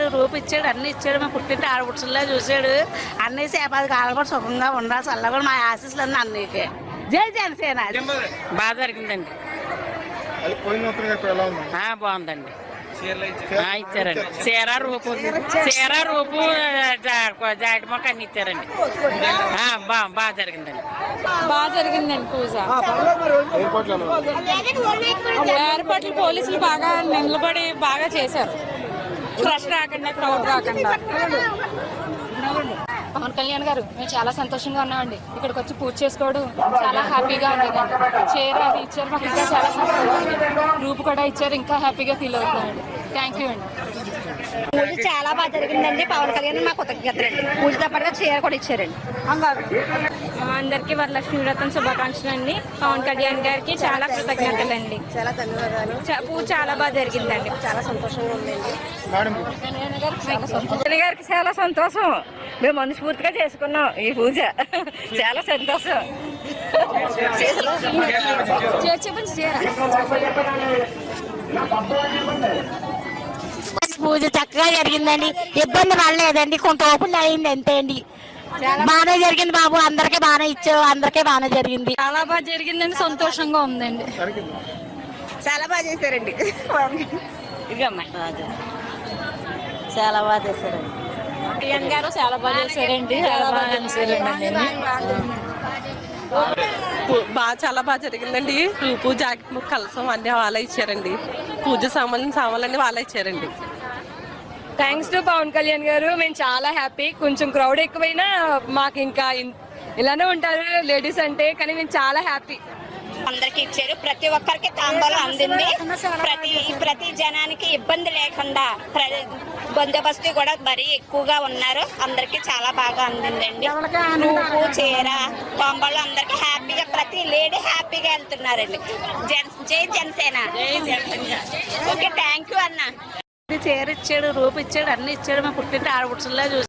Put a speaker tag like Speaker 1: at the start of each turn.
Speaker 1: రూపు ఇచ్చాడు, అన్ని ఇచ్చాడు. మా పుట్టింటి ఆడపుడుచుల్లా చూశాడు. అన్నీ సేపది కాలం కూడా సుఖంగా ఉండాలి. చల్లగా మా ఆశీస్సులు అన్నీ అన్నీకే. జై జనసేన.
Speaker 2: బాగా జరిగిందండి. బాగుందండి. ఇచ్చారండి. చీర రూపు జాకెట్ మొక్క అన్ని ఇచ్చారండి. బాగా జరిగిందండి.
Speaker 3: బాగా జరిగిందండి పూజ. ఏర్పాట్లు పోలీసులు బాగా నిలబడి బాగా చేశారు. ఫ్రెష్ రాకుండా, క్రౌడ్ రాకుండా.
Speaker 4: పవన్ కళ్యాణ్ గారు మేము చాలా సంతోషంగా ఉన్నామండి. ఇక్కడికి వచ్చి పూజ చేసుకోవడం చాలా హ్యాపీగా ఉండేదండి. చీర అది ఇచ్చారు, మాకు ఇంకా చాలా సంతోషంగా ఉంది. రూపు కూడా ఇచ్చారు, ఇంకా హ్యాపీగా ఫీల్ అవుతున్నామండి. థ్యాంక్ యూ అండి.
Speaker 5: పూజ చాలా బాగా జరిగిందండి. పవన్ కళ్యాణ్ మా కృతజ్ఞతలండి. పూజతో పాటుగా చీర కూడా ఇచ్చారండి.
Speaker 3: అందరికీ వరలక్ష్మి వ్రతం శుభాకాంక్షలు అండి. పవన్ కళ్యాణ్ గారికి చాలా కృతజ్ఞతలు అండి.
Speaker 5: చాలా ధన్యవాదాలు.
Speaker 3: పూజ చాలా బాగా జరిగిందండి.
Speaker 5: చాలా సంతోషంగా ఉందండి.
Speaker 3: గారికి చాలా సంతోషం. మేము మనస్ఫూర్తిగా చేసుకున్నాం ఈ పూజ. చాలా సంతోషం.
Speaker 5: పూజ చక్కగా జరిగిందండి. ఇబ్బంది పడలేదండి. కొంత ఓపెన్ అయింది అంతే అండి. బాగానే జరిగింది బాబు. అందరికీ బాగానే ఇచ్చారు. అందరికీ బాగానే జరిగింది.
Speaker 3: చాలా బాగా జరిగిందండి. సంతోషంగా ఉందండి.
Speaker 5: చాలా బాగా చేశారండి.
Speaker 3: ఇదిగమ్మా
Speaker 5: చాలా బాగా చేశారండి.
Speaker 3: కళ్యాణ్ గారు చాలా బాగా చేశారండి.
Speaker 6: చాలా బాగా జరిగిందండి. రూపు జాకెట్ ముక్క కలసం అన్ని వాళ్ళే ఇచ్చారండి. పూజ సామాన్లన్నీ వాళ్ళే ఇచ్చారండి.
Speaker 3: థ్యాంక్స్ టు పవన్ కళ్యాణ్ గారు. మేము చాలా హ్యాపీ. కొంచెం క్రౌడ్ ఎక్కువైనా మాకు ఇంకా ఇలానే ఉంటారు లేడీస్ అంటే, కానీ మేము చాలా హ్యాపీ.
Speaker 5: అందరికి ఇచ్చారు. ప్రతి ఒక్కరికి తాంబూలం అందింది. ప్రతి జనానికి ఇబ్బంది లేకుండా బందోబస్తు కూడా మరీ ఎక్కువగా ఉన్నారు. అందరికి చాలా బాగా అందిందండి. రూపు చీర తాంబూలం అందరికి హ్యాపీగా, ప్రతి లేడీ హ్యాపీగా వెళ్తున్నారండి. జై జనసేన. ఓకే, థ్యాంక్ యూ అన్న.
Speaker 1: చీర ఇచ్చాడు, రూపు ఇచ్చాడు, అన్ని ఇచ్చాడు. మా పుట్టింటి ఆడపుడుచుల్లా చూసి